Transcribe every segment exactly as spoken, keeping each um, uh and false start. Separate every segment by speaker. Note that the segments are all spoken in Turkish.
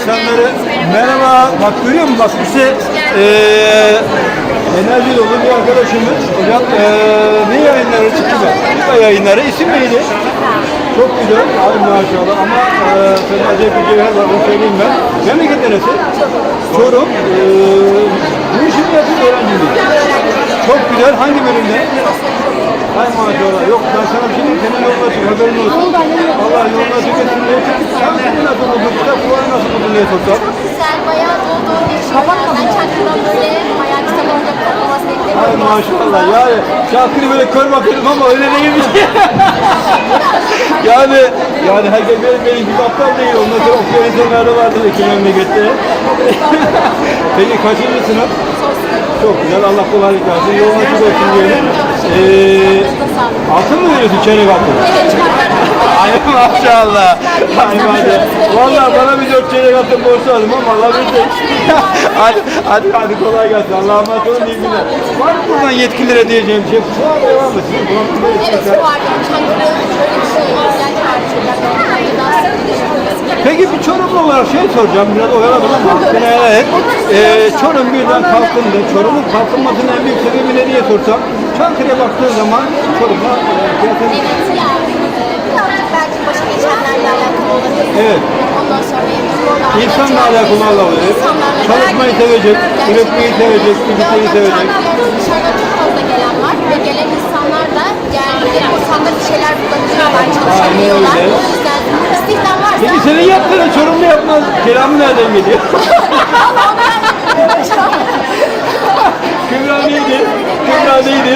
Speaker 1: insanları merhaba, bak görüyor musun? Bak bize eee enerji dolu bir arkadaşımız. Hocam eee ne yayınları çıktı mı? Kupa yayınları. İsim neydi? Çok güzel. Abi maşallah ama eee senin acayip bir cevher var, onu söyleyeyim ben. Memleket neresi? Çorum. Eee bu işi mi yapıyorsun, öğrenci mi? Çok güzel. Hangi bölümde? Hay maşallah. Yok ben sana bir şey diyeyim. Senin yolun açık. Haberin olsun. Allah yolun açık etsin diye. Sen seni nasıl buldun? Kitap fuarı nasıl buldun diye sorsam.
Speaker 2: Güzel, bayağı dolu dolu geçiyor. Ben Çankırı'dan böyle bayağı kitap olacak olması
Speaker 1: Hay
Speaker 2: beklemiyordum.
Speaker 1: maşallah. Yani Çankırı böyle kör bakıyordum ama öyle değilmiş. yani yani herkes benim, benim gibi aptal değil. Ondan sonra okuyan insanlar da vardır iki memlekette. Peki kaçıncı sınıf? Çok güzel. Allah kolaylık versin. Yolun açık olsun diyelim. Ee, altın mı veriyorsun? Çeyrek altın. Ay maşallah. Ay maşallah. Valla bana bir dört çeyrek altın borcu aldım ama Allah bilir. hadi, hadi, hadi kolay gelsin. Allah'a emanet olun. İyi günler. Var mı buradan yetkililere diyeceğim bir şey? Şu an devam mı? Sizin programda
Speaker 2: Evet, şu var yani Çankırı şöyle bir şey ihtiyaç var çocuklar. Daha sık gidiyoruz.
Speaker 1: Peki bir Çorumlu olarak şey soracağım, biraz oyaladım ama hakkını helal et. Ee, Çorum birden kalkındı. Çorum'un kalkınmasının en büyük sebebi ne diye sorsam, Çankırı'ya baktığın zaman Çorum'a fiyatın...
Speaker 2: Evet yani e, birazcık belki başa geçenlerle alakalı olabilir.
Speaker 1: Evet.
Speaker 2: Ondan sonra
Speaker 1: İnsanla alakalı olabilir. Çalışmayı sevecek, üretmeyi sevecek, bilgisayarı sevecek.
Speaker 2: Dışarıdan çok fazla gelen var ve gelen insanlar da geldiğinde ortamda bir şeyler bulabiliyorlar, çalışabiliyorlar.
Speaker 1: Aynen öyle.
Speaker 2: O yüzden istihdam varsa...
Speaker 1: Peki senin yaptığını Çorumlu yapmaz. Kelamı nereden geliyor? Kübra neydi? Kübra neydi?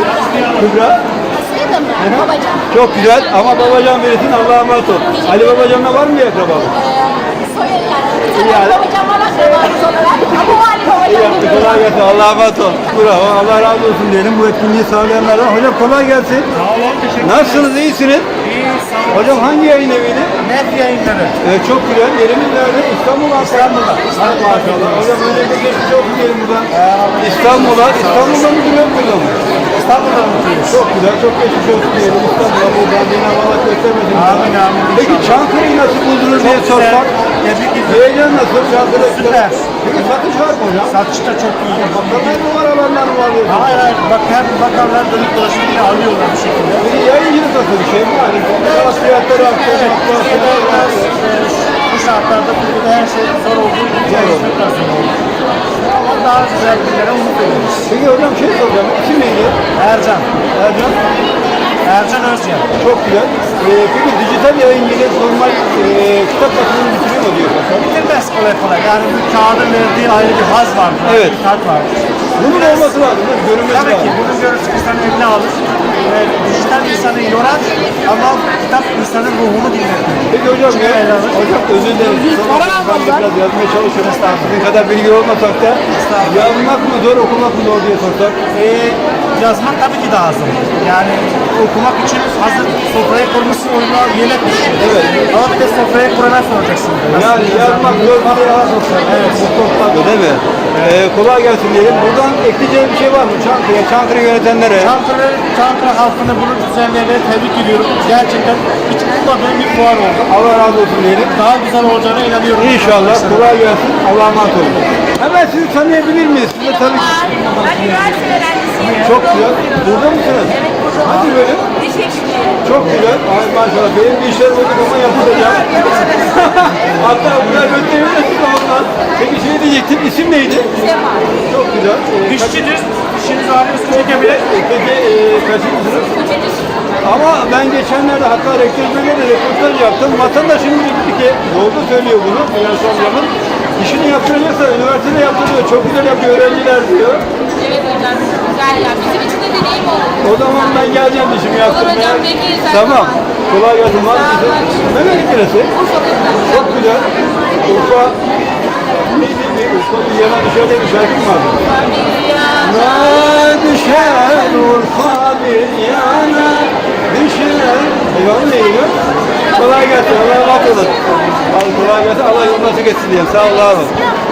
Speaker 1: Kübra?
Speaker 2: Aslıydı mı? Babacan.
Speaker 1: Çok güzel ama babacan verirsin, Allah'a emanet ol. Ali babacanla var mı bir akrabalık?
Speaker 2: Soyadı yani. Bir
Speaker 1: Yani.
Speaker 2: tane babacan var akrabamız olarak. Ama o Ali
Speaker 1: İyi
Speaker 2: babacan
Speaker 1: yaptı,
Speaker 2: gibi.
Speaker 1: kolay gelsin. Allah'a emanet ol. Bravo, Allah razı olsun diyelim bu etkinliği sağlayanlardan. Hocam kolay gelsin.
Speaker 3: Sağ olun, teşekkür
Speaker 1: Nasılsınız, iyisiniz?
Speaker 3: İyi, sağ olun.
Speaker 1: Hocam hangi yayın eviydi?
Speaker 3: Net yayınları.
Speaker 1: Evet, çok güzel. Yerimiz nerede? İstanbul, İstanbul'da. Hadi maşallah. Hocam önce bir geçmiş olsun diyelim buradan. İstanbul'a. İstanbul'da mı duruyor, burada mı?
Speaker 3: İstanbul'da mutluyuz.
Speaker 1: Çok güzel, çok geçmiş olsun diyelim. İstanbul'a buradan yine Allah göstermesin.
Speaker 3: Amin, amin.
Speaker 1: Peki Çankırı'yı nasıl buldunuz diye
Speaker 3: güzel.
Speaker 1: sorsak.
Speaker 3: Tebrik ediyorum.
Speaker 1: Heyecan nasıl? Çankırı
Speaker 3: Süper.
Speaker 1: Peki satış var mı hocam?
Speaker 3: Satış da çok iyi.
Speaker 1: Bakımlar mı var, alanlar mı var?
Speaker 3: Hayır hayır. Bak hem bakarlar dönüp dolaşıp yine alıyorlar bir şekilde.
Speaker 1: Peki yayıncılık nasıl bir şey mi? Hani biraz fiyatları arttı.
Speaker 3: Evet. Türkiye'de biraz
Speaker 1: enflasyon arttı.
Speaker 3: e, bu şartlarda Türkiye'de her şey zor olduğu için
Speaker 1: Zor oldu.
Speaker 3: çok biraz zor oldu. Ama daha güzel günlere umut ediyoruz.
Speaker 1: Peki hocam şey soracağım. İsim neydi?
Speaker 3: Ercan.
Speaker 1: Ercan.
Speaker 3: Ercan Özcan.
Speaker 1: Çok güzel. Ee, peki dijital yayıncılık normal e, kitap basımını bitiriyor mu diyor Hasan?
Speaker 3: Bitirmez kolay kolay. Yani bu kağıdın verdiği ayrı bir haz var.
Speaker 1: Evet.
Speaker 3: Bir tat var.
Speaker 1: Bunun olması lazım. değil mi? Görünmesi
Speaker 3: Tabii ki
Speaker 1: lazım.
Speaker 3: bunun görüntüsü insanın eline alır. Ve dijital insanı yorar ama kitap insanın ruhunu dinletir.
Speaker 1: Peki hocam ya,
Speaker 3: ele alır.
Speaker 1: hocam özür dilerim. Sonra ben de biraz yazmaya çalışıyorum. Sizin kadar bilgi olmasak da yazmak mı zor, okumak mı zor diye sorsak.
Speaker 3: Ee, yazmak tabii ki daha zor. Yani okumak için hazır sofrayı kurmuşsun, oyuna yemek pişiyor.
Speaker 1: Evet.
Speaker 3: Ama bir de sofrayı kurana soracaksın.
Speaker 1: Yani yazmak zor bir şey yazmak. Evet. Bu toplandı değil mi? Ee, kolay gelsin diyelim. Buradan ekleyeceğim bir şey var mı? Çankırı'ya, Çankırı yönetenlere.
Speaker 3: Çankırı, Çankırı halkını bunu düzenleyene tebrik ediyorum. Gerçekten hiç ummadığım bir fuar oldu.
Speaker 1: Allah razı olsun diyelim.
Speaker 3: Daha güzel olacağına inanıyorum.
Speaker 1: İnşallah. Kolay gelsin. Allah'a emanet olun. Hemen sizi tanıyabilir miyiz? Sizi tanı
Speaker 2: Ben üniversite öğrencisiyim.
Speaker 1: Çok güzel. Burada mısınız?
Speaker 2: Evet, burada.
Speaker 1: Hangi bölüm?
Speaker 2: Diş hekimliği.
Speaker 1: Çok güzel. Ay maşallah. Benim bir işler bulduk ama yapacağım. Hatta bunlar gösterebilirsiniz ondan. Peki şey diyecektim. İsim neydi?
Speaker 2: Sema.
Speaker 1: Çok güzel. Ee, kaç-
Speaker 3: Dişçidir. Dişiniz ağrıyorsa çekebilir.
Speaker 1: Peki e, kaçıncı sınıf?
Speaker 2: Üçüncü
Speaker 1: Ama ben geçenlerde hatta rektörlüğüne de röportaj yaptım. Vatandaşım dedi ki, doğru söylüyor bunu Finansal Hocam'ın. İşini yaptıracaksa üniversitede yaptırıyor. Çok güzel yapıyor öğrenciler diyor.
Speaker 2: Evet hocam, güzel ya. Bizim için de deneyim oldu.
Speaker 1: O zaman ben geleceğim işimi yaptırmaya.
Speaker 2: hocam, bekleriz her
Speaker 1: Tamam.
Speaker 2: zaman.
Speaker 1: Kolay gelsin. Var
Speaker 2: Sağ
Speaker 1: mısın?
Speaker 2: olun.
Speaker 1: Memleket neresi?
Speaker 2: Urfa'da.
Speaker 1: Çok güzel. Urfa. Neydi bir Urfa bir yana dışarıda bir şarkı mı vardı? Na düşer Urfa bir yana düşer. Eyvallah neydi? Kolay gelsin. Allah'a emanet olun. Kolay gelsin. Allah yolunu açık etsin diyeyim. Sağ ol. Allah'a emanet.